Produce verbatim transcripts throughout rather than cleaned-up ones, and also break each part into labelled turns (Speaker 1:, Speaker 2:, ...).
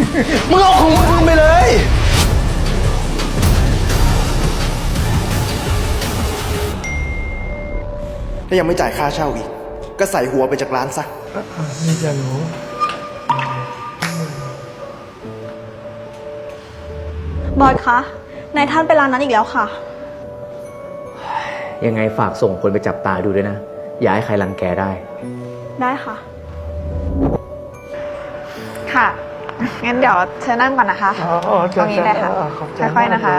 Speaker 1: มึงเอาของมึงไปเลยถ้ายังไม่จ่ายค่าเช่าอีกก็ใส่หัวไปจากร้านซะ
Speaker 2: นี่จะหนู
Speaker 3: บอสคะนายท่านไปร้านนั้นอีกแล้วค่ะ
Speaker 4: ยังไงฝากส่งคนไปจับตาดูด้วยนะอย่าให้ใครรังแกได้
Speaker 3: ได้ค่ะ
Speaker 5: ค่ะงั้นเดี๋ยวเชิญนั่งก่อนนะคะตรงนี้เลยค่ะค่อยๆนะคะ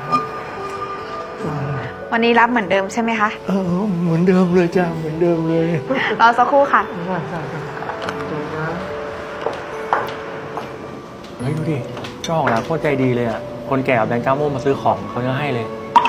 Speaker 5: วันนี้รับเหมือนเดิมใช่ไหมคะ
Speaker 2: เออเหมือนเดิมเลยจ้าเหมือนเดิมเลย
Speaker 5: รอสักครู่ค่ะ
Speaker 6: เฮ้ยดูดิเจ้าของร้านโคตรใจดีเลยอ่ะคนแก่เอาแบงค์ก้าโม่มาซื้อของเขายังให้เลย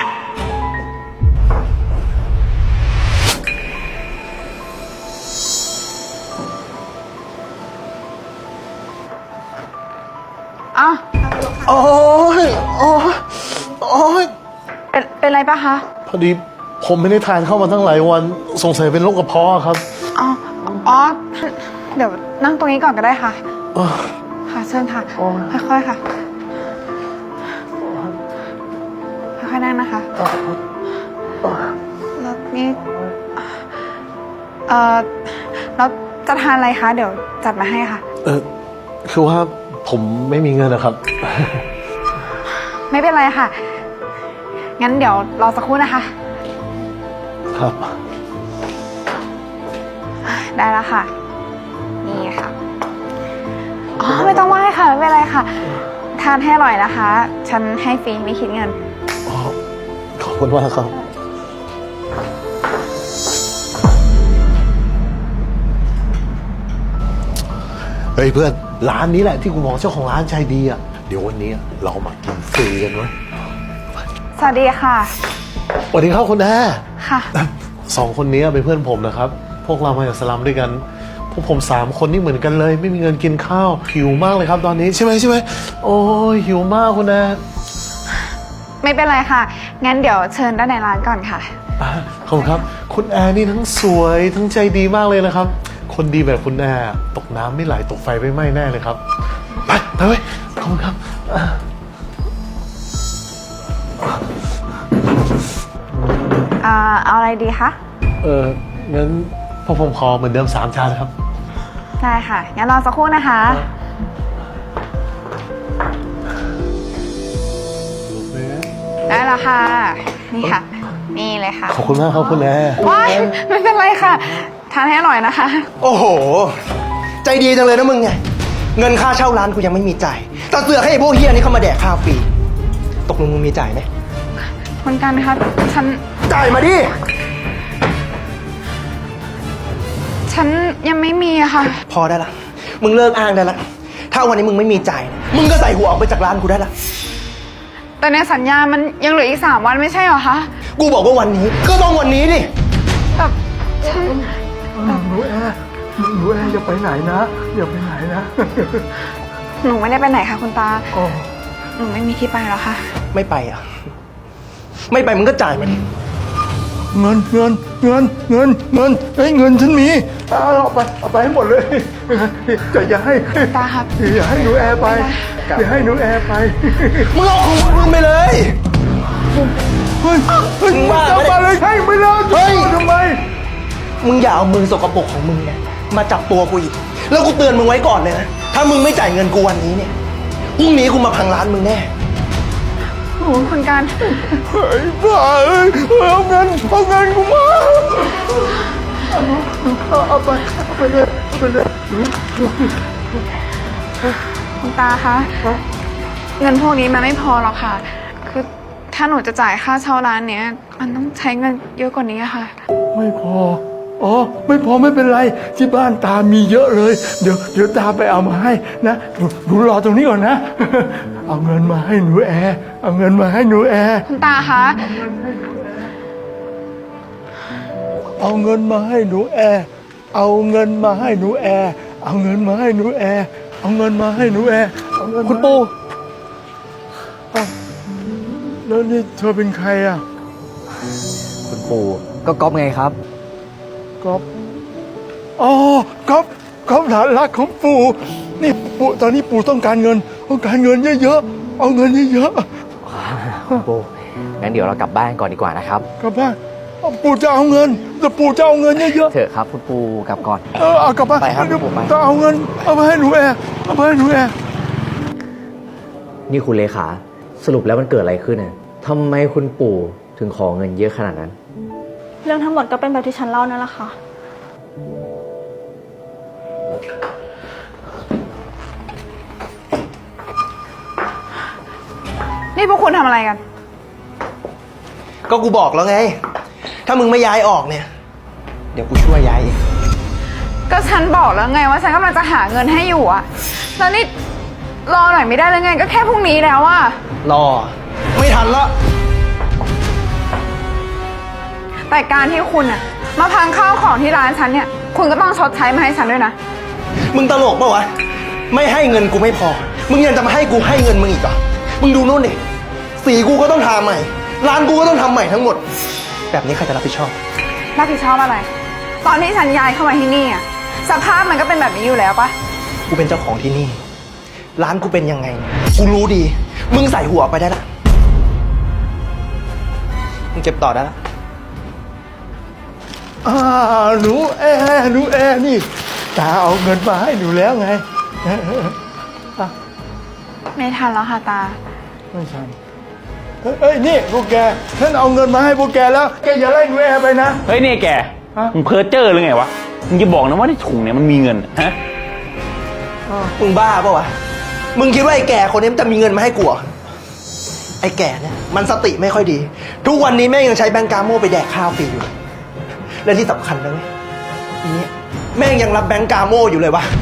Speaker 5: อ้าว
Speaker 1: โอ้ยโอ้ยโอ้ย
Speaker 5: เป็นเป็นไรปะคะ
Speaker 2: พอดีผมไม่ได้ทานเข้ามาตั้งหลายวันสงสัยเป็นโรคกระเพาะครับ
Speaker 5: อ๋ออ๋อเดี๋ยวนั่งตรงนี้ก่อนก็ได้ค่ะค่ะเชิญค่ะค่อยๆค่ะค่อยๆนั่งนะคะแล้วนี่เอ่อแล้วจะทานอะไรคะเดี๋ยวจัดมาให้ค่ะ
Speaker 2: เออคือว่าผมไม่มีเงินนะครับ
Speaker 5: ไม่เป็นไรค่ะงั้นเดี๋ยวรอสักครู่นะคะ
Speaker 2: ครับ
Speaker 5: ได้แล้วค่ะนี่ค่ะอ๋อไม่ต้องไหว้ค่ะไม่เป็นไรค่ะทานให้อร่อยนะคะฉันให้ฟรีไม่คิดเงิน
Speaker 2: อ๋อขอบคุณมากครับเฮ้ยเพื่อนร้านนี้แหละที่กูมองเจ้าของร้านใจดีอ่ะเดี๋ยววันนี้เรามากินฟรีกันไว้
Speaker 5: สวัสดีค่ะ
Speaker 2: สวัสดีครับคุณแม่
Speaker 5: ค่ะ
Speaker 2: สองคนนี้เป็นเพื่อนผมนะครับพวกเรามาจากสลัมด้วยกันพวกผมสามคนนี่เหมือนกันเลยไม่มีเงินกินข้าวหิวมากเลยครับตอนนี้ใช่ไหมใช่ไหมโอ้ยหิวมากคุณแม่
Speaker 5: ไม่เป็นไรค่ะงั้นเดี๋ยวเชิญด้านในร้านก่อนค่ะ
Speaker 2: ขอบคุณครับคุณแอร์นี่ทั้งสวยทั้งใจดีมากเลยนะครับคนดีแบบคุณแอร์ตกน้ำไม่ไหลตกไฟไม่ไหม้แน่เลยครับไปไปเว้ยขอบคุณครับ
Speaker 5: อ่าเอาอะไรดีคะ
Speaker 2: เอองั้นพวกผมขอเหมือนเดิมสามจานครับ
Speaker 5: ได้ค่ะงั้นรอสักครู่นะคะได้แล้วค่ะนี่ค่ะนี่เลยค่ะ
Speaker 2: ขอบคุณมากครับคุณแอร์
Speaker 5: ว้ายไม่เป็นไรค่ะทานให้อร่อยนะคะ
Speaker 1: โอ้โหใจดีจังเลยนะมึงไงเงินค่าเช่าร้านกูยังไม่มีจ่ายแต่เสือกให้ไอ้พวกเฮียนี่เข้ามาแดกข้าวฟรีตกลงมึงมีจ่ายไหม
Speaker 5: คุณกันคะฉัน
Speaker 1: จ่ายมาดิ
Speaker 5: ฉันยังไม่มีอะค่ะ
Speaker 1: พอได้ละมึงเลิกอ้างได้ละถ้าวันนี้มึงไม่มีจ่ายมึงก็ใส่หัวออกไปจากร้านกูได้ละ
Speaker 5: แต่ในสัญญามันยังเหลืออีกสามวันไม่ใช่เหรอคะ
Speaker 1: กูบอกว่าวันนี้ก็ต้องวันนี้ดิ
Speaker 5: แต่ฉัน
Speaker 2: หนูแอร์หนูแอร์อย่าไปไหนนะอย่าไปไหนนะ
Speaker 5: หนูไม่ได้ไปไหนค่ะคุณตาหนูไม่มีที่ไปแล้วค่ะ
Speaker 1: ไม่ไปอ่ะไม่ไปมึงก็จ่ายมาดิ
Speaker 2: เงินเงินเงินเงินเงินเฮ้ยเงินฉันมีเอาไปเอาไปให้หมดเลยจะอย่าให้
Speaker 5: ตาครับ
Speaker 2: อย่าให้หนูแอร์ไปอย่าให้หนูแอร์ไป
Speaker 1: มึงเอาของมึงไปเลย
Speaker 2: เฮ้ยมึงบ้าไปเลยให้ไม่ได้เฮ้ยทำไม
Speaker 1: มึงอย่าเอามือสกปรกของมึงเนี่ยมาจับตัวกูอีกแล้วกูเตือนมึงไว้ก่อนเลยนะถ้ามึงไม่จ่ายเงินกูวันนี้เนี่ยพรุ่งนี้กูมาพังร้านมึงแน่
Speaker 5: โอ้คุณการ
Speaker 2: เฮ้ยบ้าเอ้ยเอาเงินเอาเงินกูมาเอาไปเอาไปเลยเอาไปเลย
Speaker 5: คุณตาคะเงินพวกนี้มันไม่พอหรอกค่ะคือถ้าหนูจะจ่ายค่าเช่าร้านเนี้ยมันต้องใช้เงินเยอะกว่านี้ค่ะ
Speaker 2: ไม่พออ๋อไม่พอไม่เป็นไรที่บ้านตามีเยอะเลยเดี๋ยวเดี๋ยวตาไปเอามาให้นะหนูรอตรงนี้ก่อนนะเอาเงินมาให้หนูแอร์เอาเงินมาให้หนูแอร์
Speaker 5: คุณตาคะ
Speaker 2: เอาเงินมาให้หนูแอร์เอาเงินมาให้หนูแอร์เอาเงินมาให้หนูแอร์เอาเงินมาให้หนูแอร์เอาเงิน
Speaker 4: คุณปู่
Speaker 2: แล้วนี่เธอเป็นใครอ่ะ
Speaker 4: คุณปู่ก็ก๊อฟไงครับ
Speaker 2: ก๊อฟอ๋อก๊อฟก๊อฟหลานรักของปู่นี่ปู่ตอนนี้ปู่ต้องการเงินต้องการเงินเยอะๆเอาเงินเยอะ
Speaker 4: คุณปู่งั้นเดี๋ยวเรากลับบ้านก่อนดีกว่านะครับ
Speaker 2: ๆกลับบ้านเอาปู่จะเอาเงินแต่ปู่จะเอาเงินเยอะ
Speaker 4: เถอะครับคุณปู่กลับก่อน
Speaker 2: ๆเออเอากลับบ้าน
Speaker 4: ไปครับ
Speaker 2: เดี๋ยว
Speaker 4: ปู่ไป
Speaker 2: ต้องเอาเงินเอาไปให้หนูแอร์เอาไปให้หนูแอร์
Speaker 4: นี่คุณเลขาสรุปแล้วมันเกิดอะไรขึ้นน่ะทำไมคุณปู่ถึงขอเงินเยอะขนาดนั้น
Speaker 3: เรื่องทั้งหมดก็เป็นแบบที่ฉันเล่านั่นแหละค่ะ
Speaker 5: นี่พวกคุณทำอะไรกัน
Speaker 1: ก็กูบอกแล้วไง ถ้ามึงไม่ย้ายออกเนี่ย เดี๋ยวกูช่วยย้ายเอง
Speaker 5: ก็ฉันบอกแล้วไงว่าฉันกำลังจะหาเงินให้อยู่อะแล้วนี่รอหน่อยไม่ได้เลยไงก็แค่พรุ่งนี้แล้วอะ
Speaker 1: รอ ไม่ทันละ
Speaker 5: แต่การที่คุณอะมาพังข้าวของที่ร้านฉันเนี่ย คุณก็ต้องชดใช้มาให้ฉันด้วยนะ
Speaker 1: มึงตลกปะวะ ไม่ให้เงินกูไม่พอ มึงยังจะมาให้กูให้เงินมึงอีกเหรอ มึงดูนู่นดิสีกูก็ต้องทาใหม่ ร้านกูก็ต้องทำใหม่ทั้งหมด แบบนี้ใครจะรับผิดชอบ
Speaker 5: รับผิดชอบอะไร ตอนที่ฉันย้ายเข้ามาที่นี่อะสภาพมันก็เป็นแบบนี้อยู่แล้วปะ
Speaker 1: กูเป็นเจ้าของที่นี่ ร้านกูเป็นยังไง กูรู้ดี มึงใส่หัวไปได้ละ มึงเก็บต่อได้ละ
Speaker 2: อ่าหนูแอร์หนูแอร์นี่ตาเอาเงินมาให้หนูแล้วไงเออเออเออ
Speaker 5: ไม่ทันแล้วค่ะตา
Speaker 2: ไม่ใช่เอ้ยเอ้ยนี่พวกแกฉันเอาเงินมาให้พวกแกแล้วแกอย่าไล่หนูแอร์ไปนะ
Speaker 7: เฮ้ยนี่แก
Speaker 2: ฮะ
Speaker 7: มึงเพ้อเจ้อหรือไงวะ มึงจะบอกนะว่าในถุงเนี่ยมันมีเงินฮะ
Speaker 1: มึงบ้าปะวะ มึงคิดว่าไอ้แก่คนนี้มันจะมีเงินมาให้กูเหรอไอ้แก่เนี่ยมันสติไม่ค่อยดี ทุกวันนี้แม่งยังใช้แบงก์กาโม่ไปแดกข้าวฟรีอยู่เลยและที่สำคัญนะเว้ยอีเนี่ยแม่งยังรับแบงก์กาโม่อยู่เลยวะ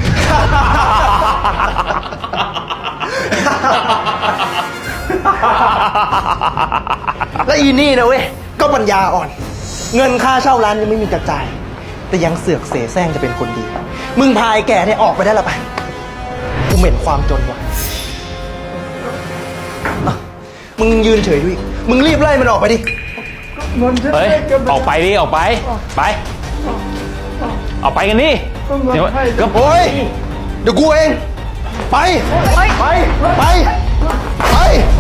Speaker 1: และอีนี่นะเว้ยก็ปัญญาอ่อน เงินค่าเช่าร้านยังไม่มีกระจาย แต่ยังเสือกเสแสร้งจะเป็นคนดี มึงพายแก่เนี่ยออกไปได้ละไปกูเหม็นความจนว่ะอ่ะมึงยืนเฉยด้วยมึงรีบไล่มันออกไปดิ
Speaker 2: เงินฉัน
Speaker 7: เฮ้ย
Speaker 2: ให้แก
Speaker 7: ออกไปดิ ออกไป ไป ออกไปกันดิ
Speaker 2: ต้องเงิน
Speaker 7: เดี๋ยว
Speaker 2: ให้
Speaker 7: ก็
Speaker 1: โอ้ยเดี๋ยวกูเอง ไป ไป ไป ไป ไป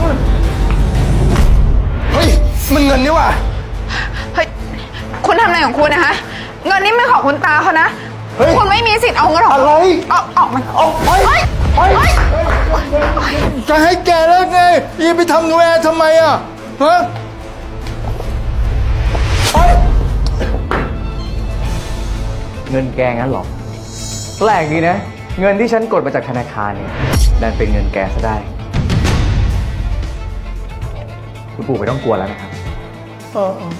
Speaker 1: เฮ้ย มันเงินนี่ว่ะ
Speaker 5: เฮ้ย คุณทำอะไรของคุณนะคะ เงินนี่ไม่ของคุณตาเขานะ
Speaker 1: เฮ้ย
Speaker 5: คุณไม่มีสิทธิ์เอาเงินของ
Speaker 1: อะไร
Speaker 5: เอาออกมัน
Speaker 1: เอาไป
Speaker 5: เฮ้ย
Speaker 1: ไป
Speaker 5: เฮ้ย
Speaker 2: จะให้แกแล้วไงยีไปทำหนูแอร์ทำไมอ่ะฮะ
Speaker 1: ไป
Speaker 4: เงินแกงั้นเหรอแปลกดีนะ เงินที่ฉันกดมาจากธนาคารเนี่ยดันเป็นเงินแกซะได้ คุณปู่ไม่ต้องกลัวแล้วนะครับ
Speaker 2: เออเออ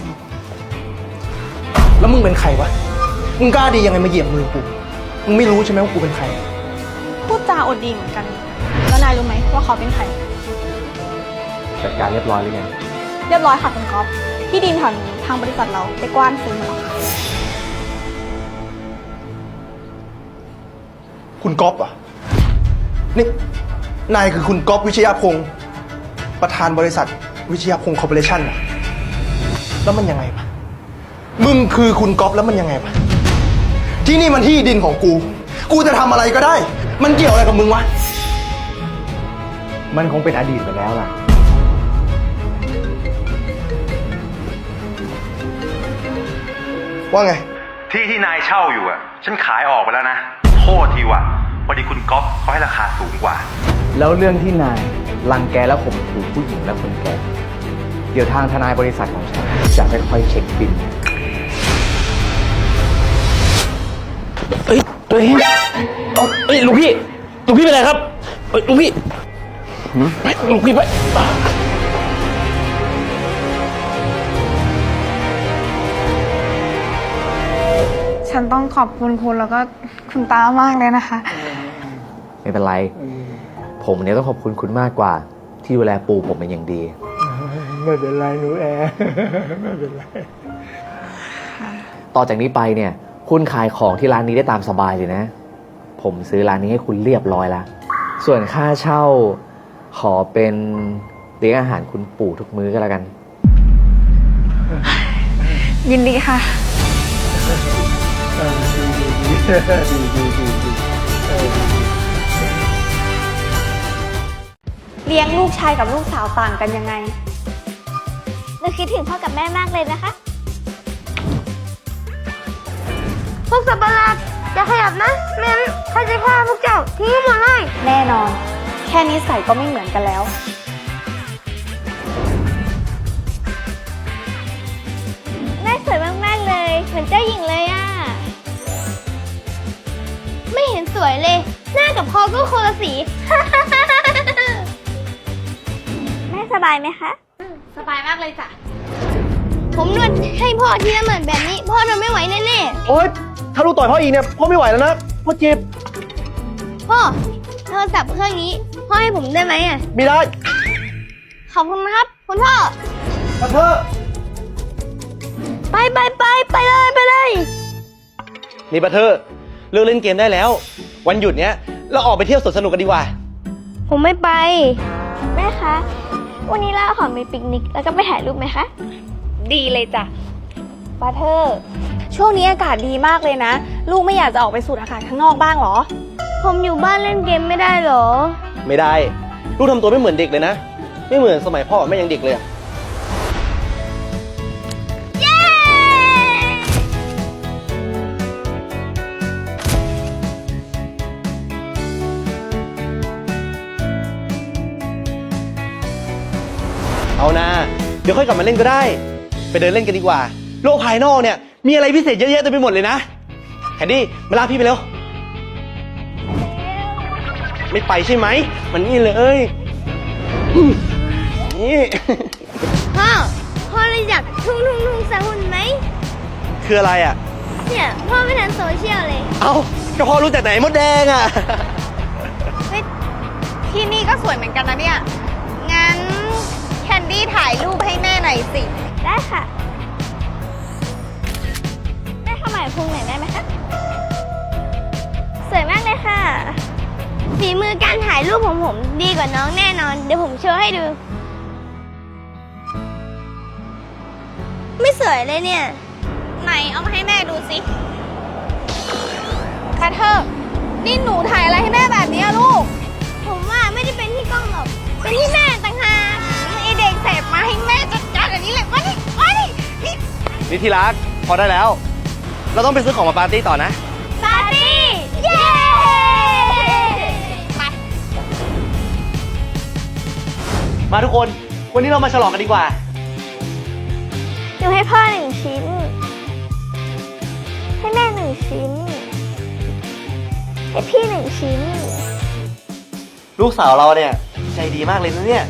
Speaker 1: แล้วมึงเป็นใครวะ มึงกล้าดียังไงมาเหยียบมือกู มึงไม่รู้ใช่ไหมว่ากูเป็นใคร
Speaker 3: พูดจาอดดีเหมือนกัน แล้วนายรู้ไหมว่าเขาเป็นใคร
Speaker 4: จัดการเรียบร้อยหรือยัง
Speaker 3: เรียบร้อยค่ะคุณก๊อฟที่ดินแถวนี้ทางบริษัทเราไปกว้านซื้อมาแล้วค่ะ
Speaker 1: คุณก๊อฟอ่ะ นี่ นายคือคุณก๊อฟวิชยพงศ์ประธานบริษัทวิชยพงศ์คอร์ปอเรชั่นเหรอแล้วมันยังไงวะ มึงคือคุณก๊อฟแล้วมันยังไงวะ ที่นี่มันที่ดินของกู กูจะทำอะไรก็ได้ มันเกี่ยวอะไรกับมึงวะ
Speaker 4: มันคงเป็นอดีตไปแล้วล่ะ
Speaker 1: ว่าไง
Speaker 8: ที่ที่นายเช่าอยู่อ่ะ ฉันขายออกไปแล้วนะ โทษทีว่ะพอดีคุณก๊อฟเขาให้ราคาสูงกว่า
Speaker 4: แล้วเรื่องที่นายรังแกและข่มขู่ผู้หญิงและคนแก่ เดี๋ยวทางทนายบริษัทของฉันจะค่อยๆเช็คบิน
Speaker 7: เอ้ย ตัวเองเอาเอ้ยลูกพี่ ลูกพี่เป็นไรครับเอ้ยลูกพี่หืมไปลูกพี่ไป
Speaker 5: ฉันต้องขอบคุณคุณแล้วก็คุณตามากเลยนะคะ
Speaker 4: ไม่เป็นไร ผมเนี่ยต้องขอบคุณคุณมากกว่า ที่ดูแลปูผมเป็นอย่างดี
Speaker 2: ไม่เป็นไรหนูแอร์ ไม่เป็นไร
Speaker 4: ต่อจากนี้ไปเนี่ย คุณขายของที่ร้านนี้ได้ตามสบายเลยนะ ผมซื้อร้านนี้ให้คุณเรียบร้อยแล้ว ส่วนค่าเช่า ขอเป็นเลี้ยงอาหารคุณปู่ทุกมื้อก็แล้วกัน
Speaker 5: ยินดีค่ะ
Speaker 2: ดีดีดีดีดี
Speaker 3: เลี้ยงลูกชายกับลูกสาวต่างกันยังไง
Speaker 9: หนูคิดถึงพ่อกับแม่มากเลยนะคะ พวกสัตว์ประหลาดอย่าขยับนะแม่ข้าจะฆ่าพวกเจ้าทิ้งหมดเลย
Speaker 3: แน่นอน แค่นิสัยก็ไม่เหมือนกันแล้ว
Speaker 9: แม่สวยมากๆเลย เหมือนเจ้าหญิงเลยอะไม่เห็นสวยเลย หน้ากับคอก็คนละสี แม่สบายไหมคะ
Speaker 5: สบายมากเลยจ้ะ
Speaker 9: ผมนวดให้พ่อที่ละเหมือนแบบนี้ พ่อนอนไม่ไหวแน่
Speaker 1: โอ๊ย ถ้าลูกต่อยพ่ออีกเนี่ย พ่อไม่ไหวแล้วนะ พ่อเจ็บ
Speaker 9: ๆพ่อโทรศัพท์เครื่องนี้ พ่อให้ผมได้ไหมอะ
Speaker 1: ไม่ได้
Speaker 9: ขอบคุณนะครับคุณพ่อ
Speaker 1: มาเถอะ
Speaker 9: ไปไปไปไปเลยไปเลย
Speaker 7: นี่บัตเทอร์เลิกเล่นเกมได้แล้ว วันหยุดเนี้ยเราออกไปเที่ยวสวนสนุกกันดีกว่า
Speaker 9: ผมไม่ไป แม่คะ วันนี้เราขอไปปิกนิกแล้วก็ไปถ่ายรูปไหมคะ
Speaker 3: ดีเลยจ้ะบาเทอร์ ช่วงนี้อากาศดีมากเลยนะ ลูกไม่อยากจะออกไปสูดอากาศข้างนอกบ้างเหรอ
Speaker 9: ผมอยู่บ้านเล่นเกมไม่ได้เหรอ
Speaker 7: ไม่ได้ ลูกทำตัวไม่เหมือนเด็กเลยนะ ไม่เหมือนสมัยพ่อกับแม่ยังเด็กเลยอะ
Speaker 9: เย้
Speaker 7: เอานะ เดี๋ยวค่อยกลับมาเล่นก็ได้ ไปเดินเล่นกันดีกว่า โลกภายนอกเนี่ยมีอะไรพิเศษเยอะแยะเต็มไปหมดเลยนะแคนดี้มาลากพี่ไปเร็ว ไม่ไปใช่ไหม มันนี่เลยอืมนี่
Speaker 9: พ่อ พ่อเลยอยากทุ่งทุ่งทุ่งสาหุ่นไหม
Speaker 7: คืออะไรอ่ะ
Speaker 9: เนี่ย พ่อไม่ทันโซเชียลเลย
Speaker 7: เอ้าก็พ่อรู้จักไหนมดแดงอ่ะ
Speaker 3: ที่นี่ก็สวยเหมือนกันนะเนี่ย งั้นแคนดี้ถ่ายรูปให้แม่หน่อยสิ
Speaker 9: ได้ค่ะ แม่เข้ามาพุงหน่อยได้ไหมคะ สวยมากเลยค่ะ ฝีมือการถ่ายรูปของผมดีกว่าน้องแน่นอน เดี๋ยวผมโชว์ให้ดู ไม่สวยเลยเนี่ย
Speaker 3: ไหนเอามาให้แม่ดูสิบาเทอร์ นี่หนูถ่ายอะไรให้แม่แบบนี้อะลูก
Speaker 9: ผมว่าไม่ได้เป็นที่กล้องหรอก เป็นที่แม่ต่างหาก
Speaker 3: ไอเด็กเสพมาให้แม่จัดการแบบนี้เลยมาดิมาดินี่
Speaker 7: นี่ที่รัก พอได้แล้ว เราต้องไปซื้อของมาปาร์ตี้ต่อนะ
Speaker 9: ปาร์ตี้ เย้
Speaker 3: ไป
Speaker 7: มาทุกคน วันนี้เรามาฉลองกันดีกว่า
Speaker 9: หนูให้พ่อหนึ่งชิ้น ให้แม่หนึ่งชิ้น ให้พี่หนึ่งชิ้น
Speaker 7: ลูกสาวเราเนี่ยใจดีมากเลยนะเนี่ย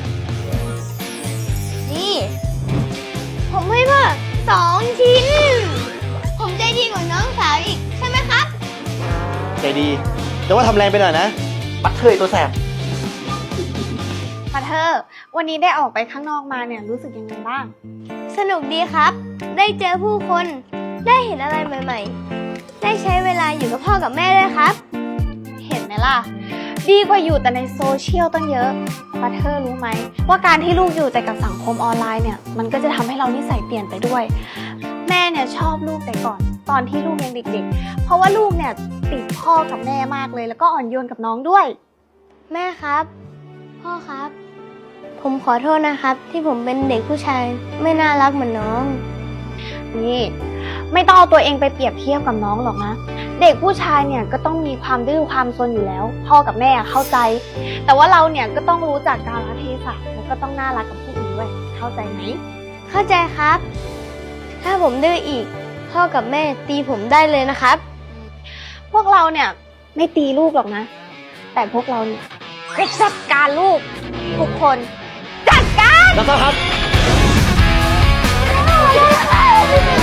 Speaker 9: นี่ ผมให้พ่อสองชิ้น ผมใจดีกว่าน้องสาวอีก ใช่ไหมครับ
Speaker 7: ใจดี แต่ว่าทำแรงไปหน่อยนะ ปัดเทยตัวแสบ
Speaker 3: บาเทอร์ วันนี้ได้ออกไปข้างนอกมาเนี่ยรู้สึกยังไงบ้าง
Speaker 9: สนุกดีครับ ได้เจอผู้คน ได้เห็นอะไรใหม่ๆ ได้ใช้เวลาอยู่กับพ่อกับแม่ด้วยครับ
Speaker 3: เห็นไหมล่ะ ดีกว่าอยู่แต่ในโซเชียลตั้งเยอะบาเทอร์รู้ไหมว่าการที่ลูกอยู่แต่กับสังคมออนไลน์เนี่ยมันก็จะทำให้เรานิสัยเปลี่ยนไปด้วย แม่เนี่ยชอบลูกแต่ก่อนตอนที่ลูกยังเด็กๆ เพราะว่าลูกเนี่ยติดพ่อกับแม่มากเลยแล้วก็อ่อนโยนกับน้องด้วย
Speaker 9: แม่ครับ พ่อครับ ผมขอโทษนะครับ ที่ผมเป็นเด็กผู้ชายไม่น่ารักเหมือนน้อง
Speaker 3: นี่ไม่ต้องเอาตัวเองไปเปรียบเทียบกับน้องหรอกนะ เด็กผู้ชายเนี่ยก็ต้องมีความดื้อความซนอยู่แล้ว พ่อกับแม่เข้าใจ แต่ว่าเราเนี่ยก็ต้องรู้จักกาลเทศะแล้วก็ต้องน่ารักกับผู้อื่นด้วยเข้าใจไหม
Speaker 9: เข้าใจครับ ถ้าผมดื้ออีก พ่อกับแม่ตีผมได้เลยนะครับ
Speaker 3: พวกเราเนี่ยไม่ตีลูกหรอกนะ แต่พวกเราเนี่ยจะจัดการลูกทุกคนจัดการ
Speaker 7: แล้วก็ครับ
Speaker 9: เ